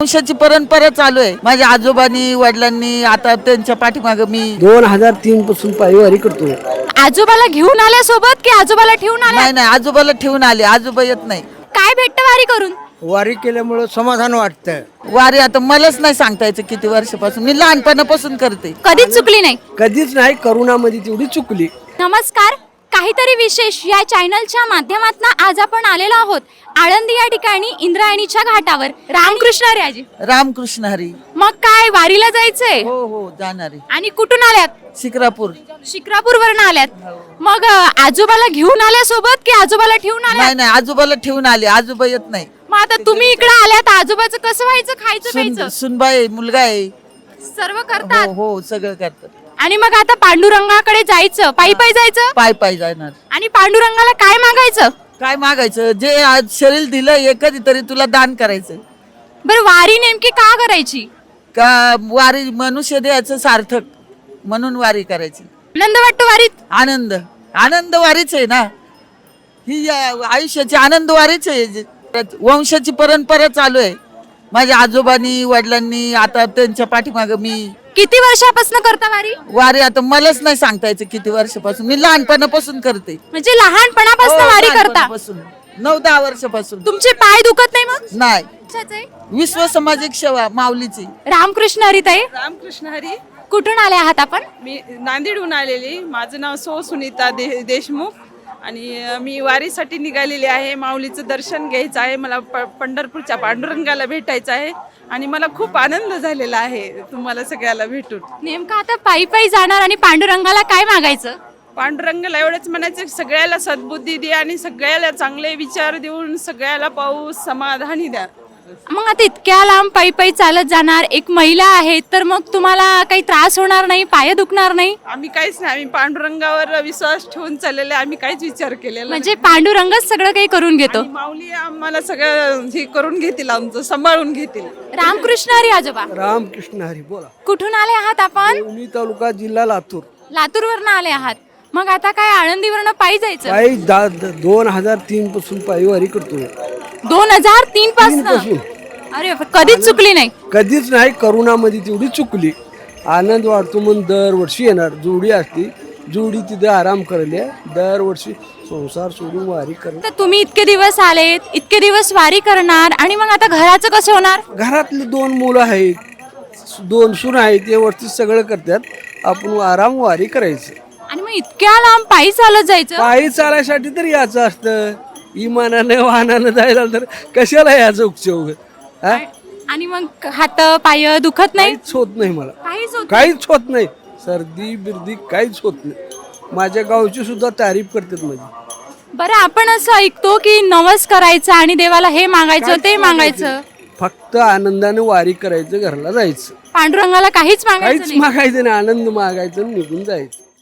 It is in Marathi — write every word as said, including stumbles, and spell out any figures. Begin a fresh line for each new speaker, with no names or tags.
वंशाची परंपरा चालू आहे. माझ्या आजोबांनी वडिलांनी आता त्यांच्या पाठीमागे मी
दोन हजार तीन पासून पायवारी करतो.
आजोबाला घेऊन आल्यासोबत की आजोबाला ठेवून आल्या?
नाही नाही आजोबाला ठेवून आले. आजोबा येत नाही.
काय भेटतं वारी करून?
वारी केल्यामुळे समाधान वाटतं.
वारी आता मलाच नाही सांगता यायचं किती वर्षापासून, मी लहानपणापासून करते.
कधीच चुकली नाही.
कधीच नाही, करोनामध्ये तेवढी चुकली.
नमस्कार, काहीतरी विशेष या चॅनलच्या माध्यमातून आज आपण आलेलो आहोत आळंदी या ठिकाणी इंद्रायणीच्या घाटावर. रामकृष्ण हरी आजी.
रामकृष्ण हरी.
मग काय वारीला जायचंय?
हो हो जाणारे.
आणि कुठून आल्यात?
शिक्रापूर.
शिक्रापूर वरून आल्यात. मग अ, आजोबाला घेऊन आल्यासोबत की आजोबाला ठेवून आल्यात?
नाही नाही आजोबाला ठेवून आले. आजोबा येत नाही.
मग आता तुम्ही इकडे आल्यात, आजोबाचं कसं व्हायचं? खायचं
सुन
प्यायचं
सुनबाई मुलगा आहे.
सर्व करतात.
हो हो सगळं करतात.
आणि मग आता पांडुरंगाकडे जायचं, पायी पायी जायचं.
पाय पाय जाणार.
आणि पांडुरंगाला काय मागायचं?
काय मागायचं? जे आज शरीर दिलं हे कधीतरी तुला दान करायचं.
बरं, वारी नेमकी का करायची?
का वारी मनुष्य द्यायचं सार्थक म्हणून वारी करायची.
आनंद वाटतो वारीत?
आनंद आनंद वारीच आहे ना ही. या आयुष्याची आनंद वारीच आहे. जे- वंशाची परंपरा चालू आहे. माझ्या आजोबांनी वडिलांनी आता त्यांच्या पाठीमागे मी
किती वर्षापासून करता वारी?
वारी आता मलाच नाही सांगता यायचं किती वर्षापासून, मी लहानपणापासून करते.
म्हणजे लहानपणापासून
हो,
वारी करता?
लहानपणापासून. नऊ दहा वर्षापासून.
तुमचे पाय दुखत नाही मग?
नाही.
अच्छाच आहे.
विश्व सामाजिक सेवा माऊलीची.
रामकृष्ण हरिताई,
रामकृष्ण हरी.
कुठून आले आहात आपण?
मी नांदेडहून आलेली. माझं नाव सौ सुनीता दे देशमुख आणि अ, मी वारीसाठी निघालेली आहे. माऊलीचं दर्शन घ्यायचं आहे मला. प पंढरपूरच्या पांडुरंगाला भेटायचं आहे आणि मला खूप आनंद झालेला आहे तुम्हाला सगळ्याला भेटून.
नेमकं आता पायी पायी जाणार आणि पांडुरंगाला काय मागायचं?
पांडुरंगाला एवढंच म्हणायचं की सगळ्याला सद्बुद्धी द्या आणि सगळ्याला चांगले विचार देऊन सगळ्याला पाऊस समाधानी द्या.
मग आता इतक्या लांब पायी पायी चालत जाणार, एक महिला आहे, तर मग तुम्हाला काही त्रास होणार नाही? पाय दुखणार नाही?
आम्ही काहीच नाही, आम्ही पांडुरंगावर विश्वास ठेवून चाललेले, आम्ही काहीच विचार केलेला
म्हणजे पांडुरंगच सगळं काही करून घेतो.
नाही. माऊली आम्हाला सगळं हे करून घेतील, आमचं सांभाळून घेतील.
रामकृष्ण हरी आजोबा.
रामकृष्ण हरी. बोला.
कुठून आले आहात आपण?
देवणी तालुका, जिल्हा लातूर.
लातूर वरनं आले आहात. मग आता काय आळंदीवरनं पायी जायचं?
पायी दा- द- दोन हजार तीन पासून पायवारी करतो.
दोन हजार तीन
पासून.
पासून? अरे कधीच चुकली नाही.
कधीच नाही, करोनामध्ये तेवढी चुकली. आनंद वाटतो म्हणून दरवर्षी येणार. जोडी असती, जोडी तिथे आराम करले. दरवर्षी संसार सोडून वारी करणार.
तर तुम्ही इतके दिवस आलेत, इतके दिवस वारी करणार आणि मग आता घराचं कसं होणार?
घरातली दोन मुलं आहेत, दोन सून आहेत, ते वरती सगळं करतात. आपण आराम वारी करायचं.
आणि मग इतक्या लांब पायी चालत जायचं?
पायी चालायसाठी तर याचं असतं. इमानानं वाहनानं जायला तर कशाला याचं उपयोग? हा?
आणि मग हात पाय दुखत नाही?
काहीच होत नाही मला.
काहीच होत
काहीच होत नाही. सर्दी बिर्दी काहीच होत नाही. माझ्या गावची सुद्धा तारीफ करतात माझी.
बरं, आपण असं ऐकतो की नवस करायचं आणि देवाला हे मागायचं ते मागायचं.
फक्त आनंदाने वारी करायचं, घरला जायचं.
पांडुरंगाला काहीच मागायचं
काहीच
नाही.
मागायचं नाही. आनंद मागायचं आणि निघून जायचं.